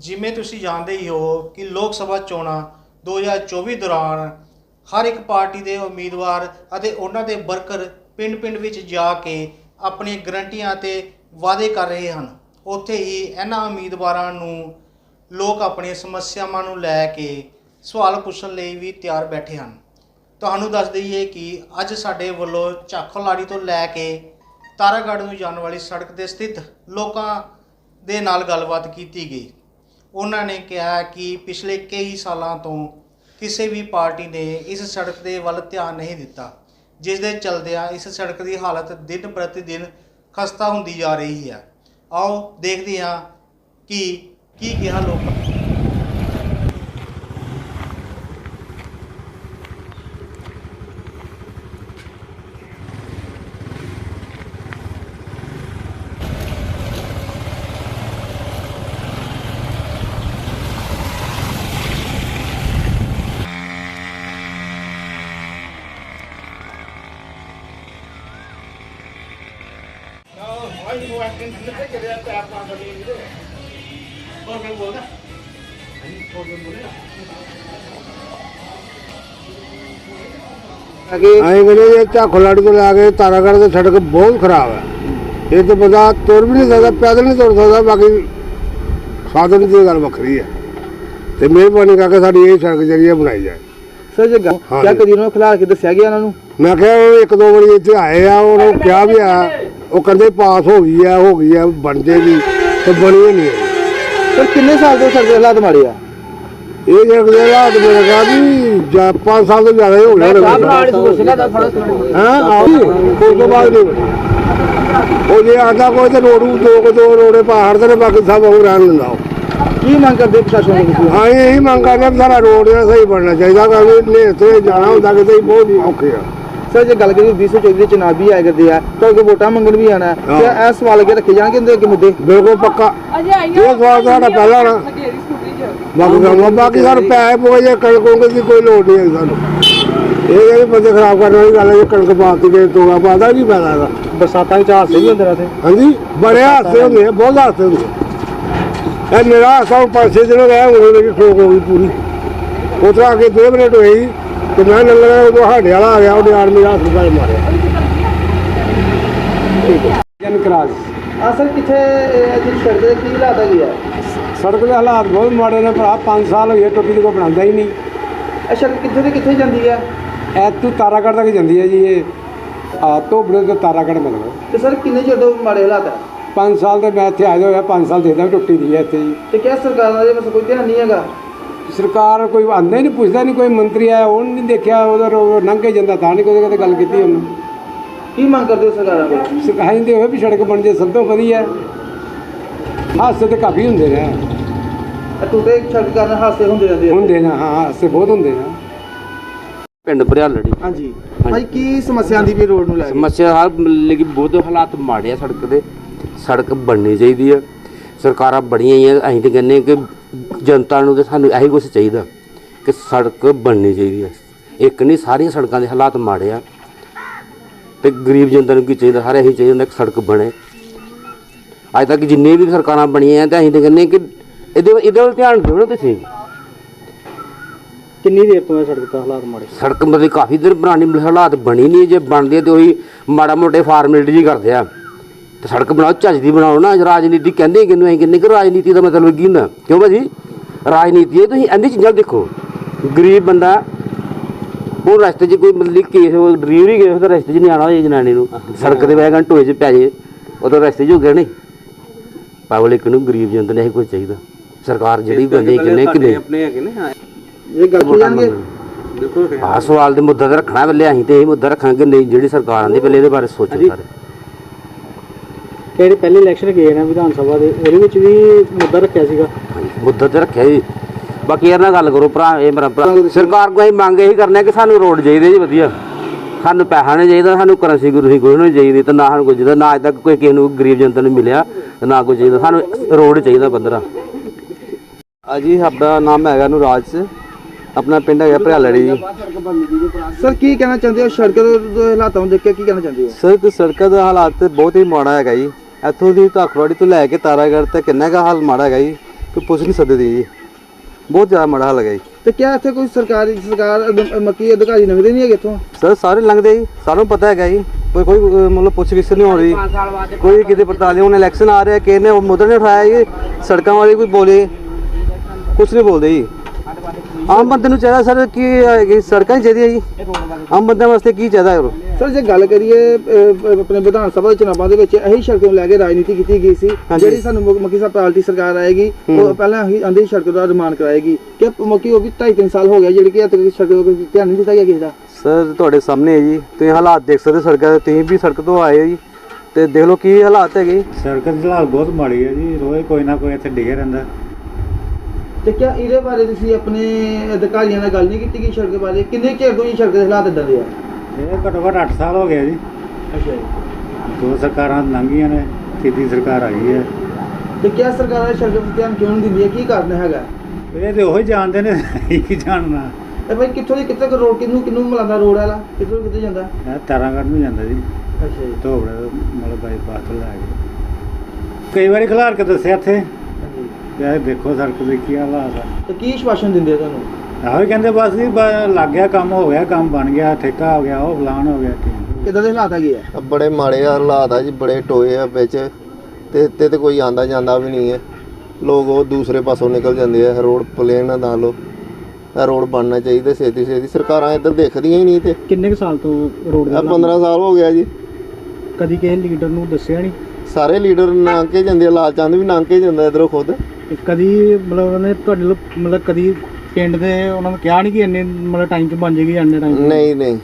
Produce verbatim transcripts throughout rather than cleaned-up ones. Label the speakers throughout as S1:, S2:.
S1: ਜਿਵੇਂ ਤੁਸੀਂ ਜਾਣਦੇ ਹੀ ਹੋ ਕਿ ਲੋਕ ਸਭਾ ਚੋਣਾਂ ਦੋ ਹਜ਼ਾਰ ਚੌਵੀ ਦੌਰਾਨ ਹਰ ਇੱਕ ਪਾਰਟੀ ਦੇ ਉਮੀਦਵਾਰ ਅਤੇ ਉਹਨਾਂ ਦੇ ਵਰਕਰ ਪਿੰਡ-ਪਿੰਡ ਵਿੱਚ ਜਾ ਕੇ ਆਪਣੀਆਂ ਗਰੰਟੀਆਂ ਅਤੇ ਵਾਅਦੇ ਕਰ ਰਹੇ ਹਨ। ਉੱਥੇ ਹੀ ਇਹਨਾਂ ਉਮੀਦਵਾਰਾਂ ਨੂੰ ਲੋਕ ਆਪਣੀਆਂ ਸਮੱਸਿਆਵਾਂ ਨੂੰ ਲੈ ਕੇ ਸਵਾਲ ਪੁੱਛਣ ਲਈ ਵੀ ਤਿਆਰ ਬੈਠੇ ਹਨ। ਤੁਹਾਨੂੰ ਦੱਸ ਦਈਏ ਕਿ ਅੱਜ ਸਾਡੇ ਵੱਲੋਂ ਝਾਖੋਲਾੜੀ ਤੋਂ ਲੈ ਕੇ ਤਾਰਾਗੜ੍ਹ ਨੂੰ ਜਾਣ ਵਾਲੀ ਸੜਕ 'ਤੇ ਸਥਿਤ ਲੋਕਾਂ ਦੇ ਨਾਲ ਗੱਲਬਾਤ ਕੀਤੀ ਗਈ। ਉਹਨਾਂ ਨੇ ਕਿਹਾ ਕਿ ਪਿਛਲੇ ਕਈ ਸਾਲਾਂ ਤੋਂ ਕਿਸੇ ਵੀ ਪਾਰਟੀ ਨੇ ਇਸ ਸੜਕ ਦੇ ਵੱਲ ਧਿਆਨ ਨਹੀਂ ਦਿੱਤਾ, ਜਿਸ ਦੇ ਚਲਦਿਆਂ ਇਸ ਸੜਕ ਦੀ ਹਾਲਤ ਦਿਨ ਪ੍ਰਤੀ ਦਿਨ ਖਸਤਾ ਹੁੰਦੀ ਜਾ ਰਹੀ ਹੈ। ਆਓ ਦੇਖਦੇ ਹਾਂ ਕਿ ਕੀ ਕਿਹਾ ਲੋਕਾਂ ਨੇ।
S2: ਝਾਖੋਲਾੜੀ ਤੋਂ ला के तारागढ़ की सड़क बहुत खराब है। ये तो बंदा तुर भी नहीं सकता, पैदल नहीं तुर सकता, बाकी साधन की गल वक्री है। तो मेहरबानी करके साड़ी ये सड़क जरिए बनाई जाए।
S3: सर जी क्या कदी उन्होंने खिला के दसिया गया उन्होंने?
S2: मैं क्या एक दो बारी इतने आए आ, उन्होंने क्या भी आया, वो कहते पास हो गई है हो गई है बन जाएगी, तो बनी नहीं है।
S3: सर कितने साल से सड़क हालात माड़े आ?
S2: ये सड़क के हालात मेरे कहा भी पाँच साल तो ज़्यादा ही हो गया। वो जे आता कोई तो रोड दो को दो रोडे पहाड़ से बाकी सब हो रहने देना।
S3: की मांग करते प्रशासन को?
S2: हाँ यही मांग करते सारा रोड सही बनना चाहिए, क्योंकि जाना होता कि बहुत औखे है।
S3: सर जो गल करिए बीस सौ चौबी चुनाव भी आए करते हैं तो अगर वोटा मंगन भी आना है, क्या ऐसा सवाल अगर रखे जाएंगे कि मुद्दे?
S2: बिल्कुल पक्का ये सवाल साढ़ा पहला ना बाकी बाकी सर पैसे पोए कणकों की कोई लोड़ नहीं है। सू ये बंदे खराब करने वाली गल है, कणक पाती के तोड़ा पाता की फायदा है।
S3: बरसात के हादसे भी होते रहते?
S2: हाँ जी बड़े हादसे होंगे, बहुत हादसे होंगे। मेरा हादसा हूँ पाँच छः दिन हो गया, हूँ मेरी ठोक हो गई पूरी। उस तरह आगे दो मिनट हुई तो मैं लंगर उदो हाडे वाला आ गया, उन्हें आर्मी हाथ में मारे।
S3: सर कितने सड़क की हालात है?
S2: सड़क के हालात बहुत माड़े ने भरा, पाँच साल हो गए टोपी को बनाता ही नहीं।
S3: ਇਹ ਸੜਕ ਕਿੱਥੇ ਤੇ ਕਿੱਥੇ ਜਾਂਦੀ ਹੈ?
S2: ਐਤੂ ਤਾਰਾਗੜ੍ਹ ਤੱਕ ਜਾਂਦੀ ਹੈ ਜੀ। ਇਹ ਧੋਬੜੇ ਤੋਂ ਤਾਰਾਗੜ੍ਹ ਮਿਲਦਾ।
S3: ਤੇ ਸਰ ਕਿੰਨੇ ਚਿਰ ਤੋਂ ਮਾੜੇ ਹਾਲਾਤ ਹੈ?
S2: ਪੰਜ ਸਾਲ ਤੇ ਮੈਂ ਇੱਥੇ ਆਇਆ ਹੋਇਆ, ਪੰਜ ਸਾਲ ਦੇਖਦਾ ਟੁੱਟੀ ਦੀ ਹੈ ਇੱਥੇ ਜੀ।
S3: ਤੇ ਕਿਆ ਸਰਕਾਰ ਦਾ ਬਸ ਕੋਈ ਧਿਆਨ ਨਹੀਂ ਹੈਗਾ?
S2: ਸਰਕਾਰ ਕੋਈ ਆਉਂਦਾ ਹੀ ਨਹੀਂ, ਪੁੱਛਦਾ ਨਹੀਂ। ਕੋਈ ਮੰਤਰੀ ਆਇਆ ਉਹਨੇ ਨਹੀਂ ਦੇਖਿਆ, ਉਧਰ ਲੰਘੇ ਜਾਂਦਾ ਤਾਂ ਨਹੀਂ ਕੋਈ ਕਦੇ ਗੱਲ ਕੀਤੀ ਉਹਨੇ।
S3: ਕੀ ਮੰਗ ਕਰਦੇ ਹੋ ਸਰਕਾਰਾਂ ਕੋਲ?
S2: ਸਿਖਾਈ ਦੇ ਹੋਵੇ ਵੀ ਸੜਕ ਬਣ ਜੇ ਸਭ ਤੋਂ ਵਧੀਆ। ਹਾਦਸੇ ਤੇ ਕਾਫੀ ਹੁੰਦੇ ਨੇ,
S3: ਟੁੱਟੇ ਸੜਕ ਕਾਰਨ ਹਾਦਸੇ ਹੁੰਦੇ ਰਹਿੰਦੇ
S2: ਹੁੰਦੇ ਨੇ। ਹਾਂ ਹਾਦਸੇ ਬਹੁਤ ਹੁੰਦੇ ਨੇ।
S4: ਪਿੰਡ ਭਰਿਆਲੜੀ।
S3: ਹਾਂਜੀ ਭਾਈ ਕੀ ਸਮੱਸਿਆ ਆਂਦੀ ਵੀ ਰੋਡ ਨੂੰ ਲੈ ਕੇ?
S4: ਸਮੱਸਿਆ ਹਰ ਲੇਕਿਨ ਬਹੁਤ ਹਾਲਾਤ ਮਾੜੇ ਆ ਸੜਕ ਦੇ। ਸੜਕ ਬਣਨੀ ਚਾਹੀਦੀ ਆ, ਸਰਕਾਰਾਂ ਬੜੀਆਂ ਹੀ ਆ। ਅਸੀਂ ਤਾਂ ਕਹਿੰਦੇ ਕਿ ਜਨਤਾ ਨੂੰ ਤਾਂ ਸਾਨੂੰ ਇਹੀ ਕੁਛ ਚਾਹੀਦਾ ਕਿ ਸੜਕ ਬਣਨੀ ਚਾਹੀਦੀ ਹੈ। ਇੱਕ ਨਹੀਂ ਸਾਰੀਆਂ ਸੜਕਾਂ ਦੇ ਹਾਲਾਤ ਮਾੜੇ ਆ, ਅਤੇ ਗਰੀਬ ਜਨਤਾ ਨੂੰ ਕੀ ਚਾਹੀਦਾ? ਹਰ ਇਹੀ ਚਾਹੀਦਾ ਕਿ ਸੜਕ ਬਣੇ। ਅੱਜ ਤੱਕ ਜਿੰਨੀਆਂ ਵੀ ਸਰਕਾਰਾਂ ਬਣੀਆਂ ਤਾਂ ਅਸੀਂ ਤਾਂ ਕਹਿੰਦੇ ਕਿ ਇਹਦੇ ਇਹਦੇ ਵੱਲ ਧਿਆਨ ਦਿਓ ਨਾ ਤੁਸੀਂ।
S3: ਕਿੰਨੀ ਦੇਰ ਤੋਂ ਹੈ ਸੜਕ ਦਾ ਹਾਲਾਤ ਮਾੜੇ?
S4: ਸੜਕ ਮਤਲਬ ਕਾਫੀ ਦੇਰ ਪੁਰਾਣੀ ਹਾਲਾਤ ਬਣੀ ਨਹੀਂ। ਜੇ ਬਣਦੀ ਹੈ ਤਾਂ ਉਹੀ ਮਾੜਾ ਮੋਟੇ ਫਾਰਮੈਲਿਟੀ ਜੀ ਕਰਦੇ ਆ। ਤੇ ਸੜਕ ਬਣਾਓ, ਚੱਜ ਦੀ ਬਣਾਓ ਨਾ। ਰਾਜਨੀਤੀ ਕਹਿੰਦੇ ਕਿਹਨੂੰ? ਅਸੀਂ ਕਹਿੰਦੇ ਕਿ ਰਾਜਨੀਤੀ ਦਾ ਮਤਲਬ ਕੀ ਹੁੰਦਾ? ਕਿਉਂ ਭਾਜੀ ਰਾਜਨੀਤੀ ਹੈ। ਤੁਸੀਂ ਇਹਦੀ ਚੀਜ਼ਾਂ ਦੇਖੋ, ਗਰੀਬ ਬੰਦਾ ਹੁਣ ਰਸਤੇ 'ਚ ਕੋਈ ਮਤਲਬ ਕੇਸ ਡਿਲੀਵਰੀ ਕੇਸ ਤਾਂ ਰਸਤੇ 'ਚ ਨਹੀਂ ਆਉਣਾ ਹੋਏ ਜਨਾਨੀ ਨੂੰ, ਸੜਕ ਦੇ ਵੈਗਨ ਟੋਏ 'ਚ ਪੈ ਜੇ ਉਦੋਂ ਰਸਤੇ 'ਚ ਹੋ ਗਿਆ ਨਹੀਂ। ਪਬਲਿਕ ਨੂੰ ਗਰੀਬ ਜਨਤਾ ਨੇ ਇਹ ਕੁਝ ਚਾਹੀਦਾ। ਸਰਕਾਰ ਜਿਹੜੀ ਕਹਿੰਦੇ ਕਿੰਨੇ ਕਿੰਨੇ
S3: ਆਪਣੇ ਹੈਗੇ ਨੇ ਇਹ ਗੱਲ ਜਾਣਗੇ।
S4: ਦੇਖੋ ਆਹ ਸਵਾਲ ਦੇ ਮੁੱਦਾ ਤੇ ਰੱਖਣਾ ਪਹਿਲੇ। ਅਸੀਂ ਤੇ ਇਹ ਮੁੱਦਾ ਰੱਖਾਂਗੇ ਨਹੀਂ ਜਿਹੜੀ ਸਰਕਾਰ ਆਉਂਦੀ ਪਹਿਲੇ ਇਹਦੇ ਬਾਰੇ ਸੋਚੋ ਸਾਰੇ।
S3: ਕਿਹੜੇ ਪਹਿਲੇ ਇਲੈਕਸ਼ਨ ਗਏ ਨੇ ਵਿਧਾਨ ਸਭਾ ਦੇ, ਉਹਦੇ ਵਿੱਚ ਵੀ ਮੁੱਦਾ ਰੱਖਿਆ ਸੀਗਾ?
S4: ਮੁੱਦਾ ਤੇ ਰੱਖਿਆ ਜੀ। ਬਾਕੀ ਯਾਰ ਨਾਲ ਗੱਲ ਕਰੋ ਭਰਾ, ਇਹ ਮੇਰਾ ਭਰਾ ਸਰਕਾਰ ਕੋਲ ਅਸੀਂ ਮੰਗ ਇਹੀ ਕਰਨਾ ਕਿ ਸਾਨੂੰ ਰੋਡ ਚਾਹੀਦੇ ਜੀ ਵਧੀਆ। ਸਾਨੂੰ ਪੈਸਾ ਨਹੀਂ ਚਾਹੀਦਾ, ਸਾਨੂੰ ਕਰੰਸੀ ਗੁਰਸੀ ਕੁਛ ਨਹੀਂ ਚਾਹੀਦੀ, ਤੇ ਨਾ ਸਾਨੂੰ ਕੁਝ ਚਾਹੀਦਾ। ਨਾ ਅੱਜ ਤੱਕ ਕੋਈ ਕਿਸੇ ਨੂੰ ਗਰੀਬ ਜਨਤਾ ਨੂੰ ਮਿਲਿਆ ਤੇ ਨਾ ਕੁਝ ਚਾਹੀਦਾ। ਸਾਨੂੰ ਰੋਡ ਚਾਹੀਦਾ ਪੰਦਰਾਂ।
S3: ਜੀ ਆਪਣਾ ਨਾਮ ਹੈਗਾ ਨੂਰਾਜ, ਆਪਣਾ ਪਿੰਡ ਹੈਗਾ ਭਰਿਆਲੜੀ ਜੀ। ਸਰ ਕੀ ਕਹਿਣਾ ਚਾਹੁੰਦੇ ਹੋ ਸੜਕ ਦੇ ਹਾਲਾਤਾਂ ਨੂੰ ਦੇਖ ਕੇ? ਕੀ ਕਹਿਣਾ ਚਾਹੁੰਦੇ ਹੋ?
S5: ਸਰ ਸੜਕ ਦਾ ਹਾਲਾਤ ਬਹੁਤ ਹੀ ਮਾੜਾ ਹੈਗਾ ਜੀ। ਇੱਥੋਂ ਦੀ ਝਾਖੋਲਾੜੀ ਤੋਂ ਲੈ ਕੇ ਤਾਰਾਗੜ੍ਹ ਤੱਕ ਕਿੰਨਾ ਕੁ ਹਾਲ ਮਾੜਾ ਹੈਗਾ ਜੀ।
S3: ਕੋਈ ਪੁੱਛ ਨਹੀਂ ਸਕਦੇ ਜੀ, ਬਹੁਤ ਜ਼ਿਆਦਾ ਮਾੜਾ ਹਾਲ ਹੈਗਾ ਜੀ।
S5: ਤੇ ਕਿਆ ਇੱਥੇ ਕੋਈ ਸਰਕਾਰੀ ਸਰਕਾਰ ਅਧ- ਮੱਕੀ ਅਧਿਕਾਰੀ ਲੰਘਦੇ ਨਹੀਂ ਹੈਗੇ ਇੱਥੋਂ?
S3: ਸਰ ਸਾਰੇ ਲੰਘਦੇ ਜੀ, ਸਾਨੂੰ ਪਤਾ ਹੈਗਾ ਜੀ, ਕੋਈ ਕੋਈ ਅਹ, ਮਤਲਬ ਪੁੱਛ ਗਿੱਛ ਨਹੀਂ ਹੋ ਰਹੀ, ਕੋਈ ਕਿਤੇ ਪੜਤਾਲ ਨਹੀਂ। ਹੁਣ ਇਲੈਕਸ਼ਨ ਆ ਰਿਹਾ, ਕਿਸੇ ਨੇ ਉਹ ਮੁੱਦਾ ਨਹੀਂ ਉਠਾਇਆ ਜੀ, ਸੜਕਾਂ ਵਾਲੇ ਕੋਈ ਬੋਲੇ ਕੁਛ ਨਹੀਂ ਬੋਲਦੇ ਜੀ। ਆਮ ਬੰਦੇ ਨੂੰ ਚਾਹੀਦਾ ਸਰ ਕਿ ਸੜਕਾਂ ਹੀ ਚਾਹੀਦੀਆਂ ਜੀ, ਆਮ ਬੰਦਿਆਂ ਵਾਸਤੇ ਕੀ ਚਾਹੀਦਾ ਹੈ?
S5: ਸਰ ਜੇ ਗੱਲ ਕਰੀਏ ਅਹ, ਆਪਣੇ ਵਿਧਾਨ ਸਭਾ ਦੇ ਚੁਣਾਵਾਂ ਦੇ ਵਿੱਚ ਇਹੀ ਸੜਕ ਨੂੰ ਲੈ ਕੇ ਰਾਜਨੀਤੀ ਕੀਤੀ ਗਈ ਸੀ।
S3: ਹਾਂਜੀ।
S5: ਜਿਹੜੀ ਸਾਨੂੰ ਮੁੱਖ- ਮੱਕੀ ਸਾਹਿਬ ਪਾਰਟੀ ਸਰਕਾਰ ਆਏਗੀ ਉਹ ਪਹਿਲਾਂ ਹੀ ਆਂਦੇ ਸੜਕ ਦਾ ਨਿਰਮਾਣ ਕਰਾਏਗੀ। ਕਿ ਮੱਕੀ ਉਹ ਵੀ ਢਾਈ ਤਿੰਨ ਸਾਲ ਹੋ ਗਿਆ ਜਿਹੜੀ ਕਿ ਹੱਦ ਤੱਕ ਸੜਕ ਦਾ ਕੋਈ ਧਿਆਨ ਨਹੀਂ ਦਿੱਤਾ ਗਿਆ ਕਿਸੇ ਦਾ।
S3: ਸਰ ਤੁਹਾਡੇ ਸਾਹਮਣੇ ਹੈ ਜੀ, ਤੁਸੀਂ ਹਾਲਾਤ ਦੇਖ ਸਕਦੇ ਸੜਕਾਂ ਦੇ, ਤੁਸੀਂ ਵੀ ਸੜਕ ਤੋਂ ਆਏ ਹੋ ਜੀ, ਤੇ ਦੇਖ ਲਓ ਕੀ ਹਾਲਾਤ ਹੈਗੇ।
S6: ਸੜਕ ਦੀ ਹਾਲਤ ਬਹੁਤ ਮਾੜੀ ਹੈ ਜੀ, ਰੋਜ਼ ਕੋਈ ਨਾ ਕੋਈ ਇੱਥੇ ਡਿੱਗਿਆ ਰਹਿੰਦਾ।
S5: ਤੇ ਕਿਆ ਇਹਦੇ ਬਾਰੇ ਤੁਸੀਂ ਆਪਣੇ ਅਧਿਕਾਰੀਆਂ ਨਾਲ ਗੱਲ ਨਹੀਂ ਕੀਤੀ ਕਿ ਸੜਕ ਬਾਰੇ ਕਿੰਨੇ ਚਿਰ ਤੋਂ ਇਹ ਸੜਕ ਦੇ ਹਾਲਾਤ ਇਦਾਂ ਦੇ ਆ?
S6: ਇਹ ਘੱਟੋ ਘੱਟ ਅੱਠ ਸਾਲ ਹੋ ਗਏ ਜੀ,
S5: ਅੱਛਾ ਜੀ।
S6: ਦੋ ਸਰਕਾਰਾਂ ਲੰਘੀਆਂ ਨੇ, ਤੀਜੀ ਸਰਕਾਰ ਆਈ ਹੈ।
S5: ਤੇ ਕਿਆ ਸਰਕਾਰ ਸੜਕ 'ਤੇ ਧਿਆਨ ਕਿਉਂ ਨਹੀਂ ਦਿੰਦੀ ਹੈ, ਕੀ ਕਾਰਨ ਹੈਗਾ?
S6: ਇਹ ਤੇ ਉਹੀ ਜਾਣਦੇ ਨੇ, ਕੀ ਜਾਣਨਾ।
S5: ਇਹ ਭਾਈ ਕਿੱਥੋਂ ਦੀ ਕਿੱਥੇ ਰੋਡ ਕਿਹਨੂੰ ਕਿਹਨੂੰ ਮਿਲਾਉਂਦਾ ਰੋਡ ਵਾਲਾ, ਕਿੱਥੋਂ ਕਿੱਥੇ ਜਾਂਦਾ?
S6: ਇਹ ਤਾਰਾਗੜ੍ਹ ਨੂੰ ਜਾਂਦਾ ਜੀ,
S5: ਅੱਛਾ ਜੀ।
S6: ਧੋਬੜੇ ਤੋਂ ਮਤਲਬ ਬਾਈਪਾਸ ਤੋਂ ਲੈ ਕੇ ਕਈ ਵਾਰੀ ਖਿਲਾਰ ਕੇ ਦੱਸਿਆ ਇੱਥੇ
S5: ਹਾਂਜੀ।
S6: ਵੀ ਇਹ ਦੇਖੋ ਸੜਕ ਦੇ ਕੀ ਹਾਲਾਤ ਆ।
S5: ਤੇ ਕੀ ਆਸ਼ਵਾਸਨ ਦਿੰਦੇ ਆ ਤੁਹਾਨੂੰ?
S6: ਇਹੋ ਹੀ ਕਹਿੰਦੇ ਬਸ ਜੀ ਬ- ਲੱਗ ਗਿਆ ਕੰਮ, ਹੋ ਗਿਆ ਕੰਮ, ਬਣ ਗਿਆ, ਠੇਕਾ ਹੋ ਗਿਆ, ਉਹ ਫਲਾਨ ਹੋ ਗਿਆ, ਠੀਕ।
S5: ਕਿੱਦਾਂ ਦੇ ਹਾਲਾਤ ਹੈਗੇ ਆ?
S7: ਬੜੇ ਮਾੜੇ ਹਾਲਾਤ ਆ ਜੀ, ਬੜੇ ਟੋਏ ਆ ਵਿੱਚ, ਤੇ ਇੱਥੇ ਤੇ ਕੋਈ ਆਂਦਾ ਜਾਂਦਾ ਵੀ ਨਹੀਂ ਹੈ। ਲੋਕ ਉਹ ਦੂਸਰੇ ਪਾਸੋਂ ਨਿਕਲ ਜਾਂਦੇ ਆ, ਰੋਡ ਪਲੇਨ ਨਾ ਲਓ, ਇਹ ਰੋਡ ਬਣਨਾ ਚਾਹੀਦਾ ਛੇਤੀ ਛੇਤੀ। ਸਰਕਾਰਾਂ ਇੱਧਰ ਦੇਖਦੀਆਂ ਹੀ ਨਹੀਂ। ਤੇ
S8: ਕਿੰਨੇ ਕੁ ਸਾਲ ਤੋਂ ਰੋਡ
S7: ਇਹ ਪੰਦਰਾਂ ਸਾਲ ਹੋ ਗਿਆ ਜੀ।
S8: ਕਦੀ ਕਿਸੇ ਲੀਡਰ ਨੂੰ ਦੱਸਿਆ ਨਹੀਂ?
S7: ਸਾਰੇ ਲੀਡਰ ਲੰਘ ਕੇ ਜਾਂਦੇ ਆ, ਲਾਲ ਚੰਦ ਵੀ ਲੰਘ ਕੇ ਜਾਂਦਾ ਇੱਧਰੋਂ ਖੁਦ।
S8: ਤੇ ਕਦੀ ਮਤਲਬ ਉਹਨਾਂ ਨੇ ਤੁਹਾਡੇ ਲੋਕ ਮਤਲਬ ਕਦੀ ਪਿੰਡ ਦੇ ਉਹਨਾਂ ਨੂੰ ਕਿਹਾ ਨਹੀਂ ਕਿ ਇੰਨੇ ਮਤਲਬ ਟਾਈਮ 'ਚ ਬਣ ਜਾਏਗੀ, ਇੰਨੇ ਟਾਈਮ?
S7: ਨਹੀਂ ਨਹੀਂ,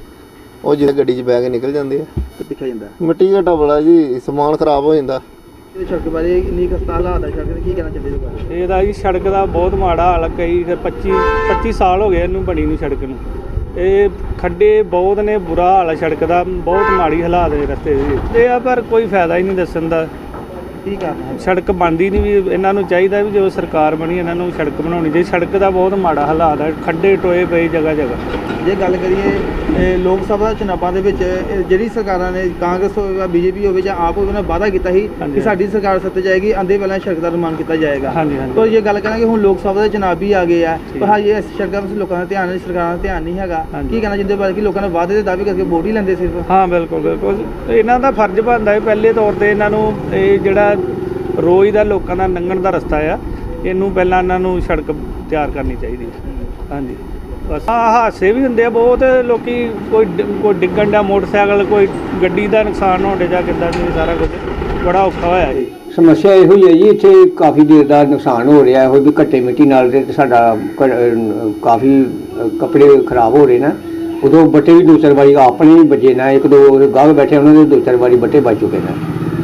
S7: ਉਹ ਜਿਹੜੇ ਗੱਡੀ 'ਚ ਬਹਿ ਕੇ ਨਿਕਲ ਜਾਂਦੇ ਆ।
S5: ਤੇ ਦਿਖਿਆ ਜਾਂਦਾ
S7: ਮਿੱਟੀ ਘਟਾ ਬੜਾ ਜੀ, ਸਮਾਨ ਖਰਾਬ ਹੋ ਜਾਂਦਾ।
S5: ਇਹ ਸੜਕ ਬਾਰੇ ਇੰਨੀ ਖਸਤਾ ਹਾਲਾਤ ਆ ਸੜਕ ਦੇ, ਕੀ ਕਹਿਣਾ ਚਾਹੁੰਦੇ ਹੋ?
S9: ਇਹਦਾ ਜੀ ਸੜਕ ਦਾ ਬਹੁਤ ਮਾੜਾ ਹਾਲ ਆ। ਕਈ ਫਿਰ ਪੱਚੀ ਪੱਚੀ ਸਾਲ ਹੋ ਗਏ ਇਹਨੂੰ ਬਣੀ ਨੂੰ ਸੜਕ ਨੂੰ। ਇਹ ਖੱਡੇ ਬਹੁਤ ਨੇ, ਬੁਰਾ ਹਾਲ ਆ ਸੜਕ ਦਾ, ਬਹੁਤ ਮਾੜੀ ਹਾਲਾਤ ਨੇ ਰਸਤੇ ਦੇ। ਇਹ ਆ ਪਰ ਕੋਈ ਫਾਇਦਾ ਹੀ ਨਹੀਂ ਦੱਸਣ ਦਾ,
S5: ਕੀ ਕਰਨਾ?
S9: ਸੜਕ ਬਣਦੀ ਨਹੀਂ। ਵੀ ਇਹਨਾਂ ਨੂੰ ਚਾਹੀਦਾ ਵੀ ਜੋ ਸਰਕਾਰ ਬਣੀ ਇਹਨਾਂ ਨੂੰ ਸੜਕ ਬਣਾਉਣੀ ਚਾਹੀਦੀ। ਸੜਕ ਦਾ ਬਹੁਤ ਮਾੜਾ ਹਾਲਾਤ ਆ, ਖੱਡੇ ਟੋਏ ਪਏ ਜਗ੍ਹਾ ਜਗ੍ਹਾ।
S5: ਜੇ ਗੱਲ ਕਰੀਏ ਇਹ ਲੋਕ ਸਭਾ ਚੁਣਾਵਾਂ ਦੇ ਵਿੱਚ ਇਹ ਜਿਹੜੀ ਸਰਕਾਰਾਂ ਨੇ, ਕਾਂਗਰਸ ਹੋਵੇ ਜਾਂ ਬੀਜੇਪੀ ਹੋਵੇ ਜਾਂ ਆਪ ਹੋਵੇ, ਉਹਨਾਂ ਨੇ ਵਾਅਦਾ ਕੀਤਾ ਸੀ ਕਿ
S9: ਹਾਂਜੀ।
S5: ਸਾਡੀ ਸਰਕਾਰ ਸੱਤੇ ਜਾਏਗੀ, ਆਂਦੇ ਪਹਿਲਾਂ ਸੜਕ ਦਾ ਨਿਰਮਾਣ ਕੀਤਾ ਜਾਏਗਾ।
S9: ਹਾਂਜੀ, ਹਾਂਜੀ।
S5: ਪਰ ਜੇ ਗੱਲ ਕਰਾਂਗੇ ਹੁਣ ਲੋਕ ਸਭਾ ਦੇ ਚੁਣਾਵ ਵੀ ਆ ਗਏ ਆ,
S9: ਠੀਕ।
S5: ਪਰ ਹਾਲੇ ਇਸ ਸੜਕਾਂ 'ਤੇ ਲੋਕਾਂ ਦਾ ਧਿਆਨ ਨਹੀਂ, ਸਰਕਾਰਾਂ ਦਾ ਧਿਆਨ ਨਹੀਂ ਹੈਗਾ।
S9: ਹਾਂਜੀ।
S5: ਕੀ ਕਹਿਣਾ ਚਾਹੁੰਦੇ ਹੋ ਬਾਰੇ ਕਿ ਲੋਕਾਂ ਨੇ ਵਾਅਦੇ ਦੇ ਦਾਅਵੇ ਕਰਕੇ ਵੋਟ ਹੀ ਲੈਂਦੇ ਸਿਰਫ?
S9: ਹਾਂ ਬਿਲਕੁਲ ਬਿਲਕੁਲ, ਇਹਨਾਂ ਦਾ ਫਰਜ਼ ਬਣਦਾ ਹੈ ਪਹਿਲੇ ਤੌਰ ਤੇ ਇਹਨਾਂ ਨੂੰ ਇਹ ਜਿਹੜਾ ਰੋਜ਼ ਦਾ ਲੋਕਾਂ ਦਾ ਲੰਘਣ ਦਾ ਰਸਤਾ ਆ, ਇਹਨੂੰ ਪਹਿਲਾਂ ਇਹਨਾਂ ਨੂੰ ਸੜਕ ਤਿਆਰ ਕਰਨੀ ਚਾਹੀਦੀ ਹੈ। ਹਾਂਜੀ ਬਸ। ਆਹ ਹਾਦਸੇ ਵੀ ਹੁੰਦੇ ਆ ਬਹੁਤ, ਲੋਕੀ ਕੋਈ ਡਿ- ਕੋਈ ਡਿੱਗਣ ਦਾ ਮੋਟਰਸਾਈਕਲ, ਕੋਈ ਗੱਡੀ ਦਾ ਨੁਕਸਾਨ ਹੋਣ ਜਾਂ ਕਿੱਦਾਂ ਦੀ, ਸਾਰਾ ਕੁਝ ਬੜਾ ਔਖਾ ਹੋਇਆ ਜੀ।
S10: ਸਮੱਸਿਆ ਇਹੋ ਹੀ ਹੈ ਜੀ, ਇੱਥੇ ਕਾਫੀ ਦੇਰ ਦਾ ਨੁਕਸਾਨ ਹੋ ਰਿਹਾ ਹੈ। ਵੀ ਘੱਟੇ ਮਿੱਟੀ ਨਾਲ ਤੇ ਸਾਡਾ ਕ- ਅਹ ਕਾਫੀ ਅਹ ਕੱਪੜੇ ਖਰਾਬ ਹੋ ਰਹੇ ਨੇ। ਉਦੋਂ ਬੱਟੇ ਵੀ ਦੋ ਚਾਰ ਵਾਰੀ ਆਪਣੇ ਵੀ ਵੱਜੇ ਨੇ, ਇੱਕ ਦੋ ਗਾਹਕ ਬੈਠੇ ਉਹਨਾਂ ਦੇ ਦੋ ਚਾਰ ਵਾਰੀ ਬੱਟੇ ਵੱਜ ਚੁੱਕੇ ਨੇ,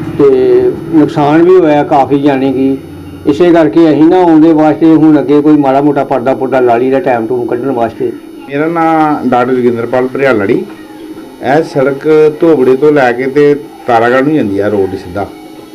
S10: ਤੇ ਨੁਕਸਾਨ ਵੀ ਹੋਇਆ ਕਾਫੀ। ਜਾਣੀ ਕਿ ਇਸੇ ਕਰਕੇ ਅਸੀਂ ਨਾ ਆਉਂਦੇ ਵਾਸਤੇ ਹੁਣ ਅੱਗੇ ਕੋਈ ਮਾੜਾ ਮੋਟਾ ਪਰਦਾ ਪੁਰਦਾ ਲਾਲੀ ਦਾ ਟਾਈਮ ਟੂਮ ਕੱਢਣ ਵਾਸਤੇ।
S11: ਮੇਰਾ ਨਾਮ ਡਾਕਟਰ ਜੋਗਿੰਦਰਪਾਲ ਭਰਿਆਲੜੀ। ਇਹ ਸੜਕ ਧੋਬੜੇ ਤੋਂ ਲੈ ਕੇ ਤੇ ਤਾਰਾਗੜ੍ਹ ਨੂੰ ਜਾਂਦੀ ਆ ਰੋਡ ਸਿੱਧਾ,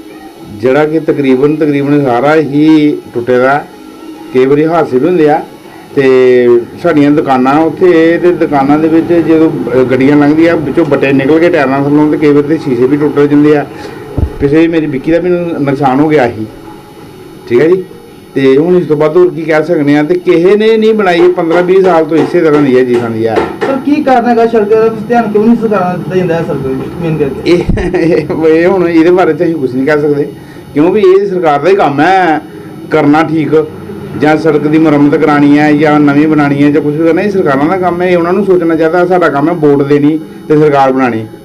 S11: ਜਿਹੜਾ ਕਿ ਤਕਰੀਬਨ ਤਕਰੀਬਨ ਸਾਰਾ ਹੀ ਟੁੱਟੇ ਦਾ। ਕਈ ਵਾਰੀ ਹਾਦਸੇ ਵੀ ਹੁੰਦੇ ਆ। ਤੇ ਸਾਡੀਆਂ ਦੁਕਾਨਾਂ ਉੱਥੇ, ਤੇ ਦੁਕਾਨਾਂ ਦੇ ਵਿੱਚ ਜਦੋਂ ਅ, ਗੱਡੀਆਂ ਲੰਘਦੀਆਂ ਵਿੱਚੋਂ ਬੱਟੇ ਨਿਕਲ ਕੇ ਟਾਇਰਾਂ ਥੱਲੋਂ, ਤੇ ਕਈ ਵਾਰੀ ਤੇ ਸ਼ੀਸ਼ੇ ਵੀ ਟੁੱਟ ਜਾਂਦੇ ਆ। ਪਿਛੇ ਮੇਰੀ ਵਿੱਕੀ ਦਾ ਵੀ ਨੁਕਸਾਨ ਹੋ ਗਿਆ ਸੀ, ਠੀਕ ਹੈ ਜੀ। ਤੇ ਹੁਣ ਇਸ ਤੋਂ ਬਾਅਦ ਹੋਰ ਕੀ ਕਹਿ ਸਕਦੇ ਆ। ਤੇ ਕਿਸੇ ਨੇ ਨਹੀਂ ਬਣਾਈ, ਪੰਦਰਾਂ ਵੀਹ ਸਾਲ ਤੋਂ ਇਸੇ ਤਰ੍ਹਾਂ ਦੀ ਹੈ ਜੀ ਸਾਡੀ ਆ।
S5: ਸਰ ਕੀ ਕਾਰਨ ਹੈਗਾ ਸੜਕ ਦਾ ਧਿਆਨ ਕਿਉਂ ਨਹੀਂ ਸਰਕਾਰਾਂ ਦਾ ਦਿੱਤਾ ਜਾਂਦਾ ਹੈ ਸੜਕ ਮੇਨ ਕਰਕੇ?
S11: ਇਹ ਇਹ ਹੁਣ ਇਹਦੇ ਬਾਰੇ ਤਾਂ ਅਸੀਂ ਕੁਝ ਨਹੀਂ ਕਹਿ ਸਕਦੇ, ਕਿਉਂਕਿ ਇਹ ਸਰਕਾਰ ਦਾ ਹੀ ਕੰਮ ਹੈ ਕਰਨਾ ਠੀਕ, ਜਾਂ ਸੜਕ ਦੀ ਮੁਰੰਮਤ ਕਰਾਉਣੀ ਹੈ ਜਾਂ ਨਵੀਂ ਬਣਾਉਣੀ ਹੈ ਜਾਂ ਕੁਝ ਵੀ ਕਰਨਾ। ਇਹ ਸਰਕਾਰਾਂ ਦਾ ਕੰਮ ਹੈ, ਇਹ ਉਹਨਾਂ ਨੂੰ ਸੋਚਣਾ ਚਾਹੀਦਾ। ਸਾਡਾ ਕੰਮ ਹੈ ਵੋਟ ਦੇਣੀ ਤੇ ਸਰਕਾਰ ਬਣਾਉਣੀ।